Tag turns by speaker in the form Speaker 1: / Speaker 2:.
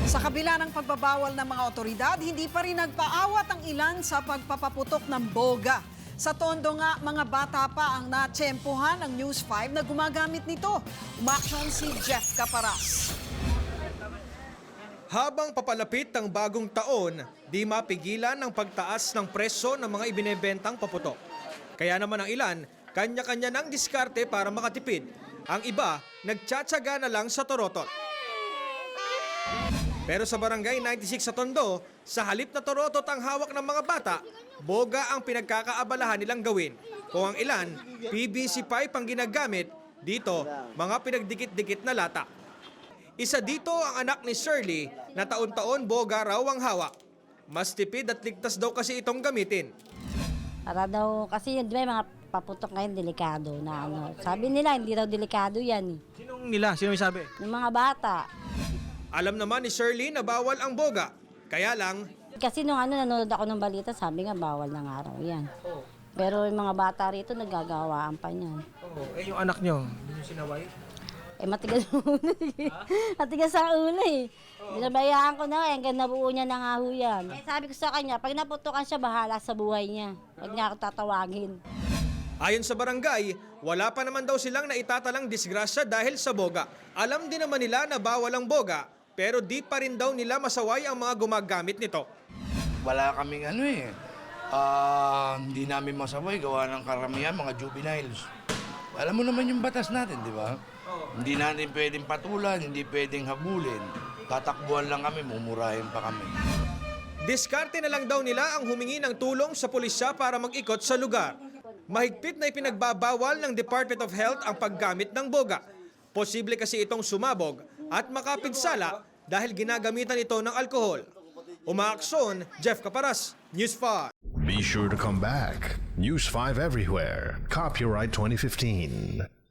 Speaker 1: Sa kabila ng pagbabawal ng mga otoridad, hindi pa rin nagpaawat ang ilan sa pagpapaputok ng boga. Sa Tondo nga, mga bata pa ang natsempohan ng News 5 na gumagamit nito. Umaksyon si Jeff Caparas.
Speaker 2: Habang papalapit ang bagong taon, di mapigilan ang pagtaas ng presyo ng mga ibinebentang paputok. Kaya naman ang ilan, kanya-kanya ng diskarte para makatipid. Ang iba, nagtsatsaga na lang sa torotol. Pero sa barangay 96 sa Tondo, sa halip na torotot ang hawak ng mga bata, boga ang pinagkakaabalahan nilang gawin. Kung ang ilan, PVC pipe ang ginagamit, dito, mga pinagdikit-dikit na lata. Isa dito ang anak ni Shirley na taon-taon boga raw ang hawak. Mas tipid at ligtas daw kasi itong gamitin.
Speaker 3: Para daw, kasi yun, di ba, mga paputok ngayon delikado na ano. Sabi nila, hindi daw delikado yan eh.
Speaker 2: Sinong nila? Sino may sabi?
Speaker 3: Yung mga bata.
Speaker 2: Alam naman ni Shirley na bawal ang boga. Kaya lang,
Speaker 3: Kasi nung nanonood ako ng balita, sabi nga bawal ng araw yan. Pero yung mga bata rito, nagagawaan pa niyan.
Speaker 2: yung anak nyo, hindi nyo sinaway?
Speaker 3: Matigas ang ulo eh. Matigas ang ulo eh. Binabayaan ko na hanggang nabuo niya na nga ho yan. Sabi ko sa kanya, pag naputukan siya, bahala sa buhay niya. Huwag niya ako tatawagin.
Speaker 2: Ayon sa barangay, wala pa naman daw silang naitatalang disgrasya dahil sa boga. Alam din naman nila na bawal ang boga, pero di pa rin daw nila masaway ang mga gumagamit nito.
Speaker 4: Wala kaming hindi namin masaway gawa ng karamihan mga juveniles. Alam mo naman yung batas natin, di ba? Hindi natin pwedeng patulan, hindi pwedeng habulin. Tatakbuhan lang kami, mumurahin pa kami.
Speaker 2: Diskarte na lang daw nila ang humingi ng tulong sa pulisya para mag-ikot sa lugar. Mahigpit na ipinagbabawal ng Department of Health ang paggamit ng boga. Posible kasi itong sumabog at makapinsala dahil ginagamitan ito ng alkohol. Umaaksyon, Jeff Caparas, News 5.
Speaker 5: Be sure to come back. News 5 everywhere. Copyright 2015.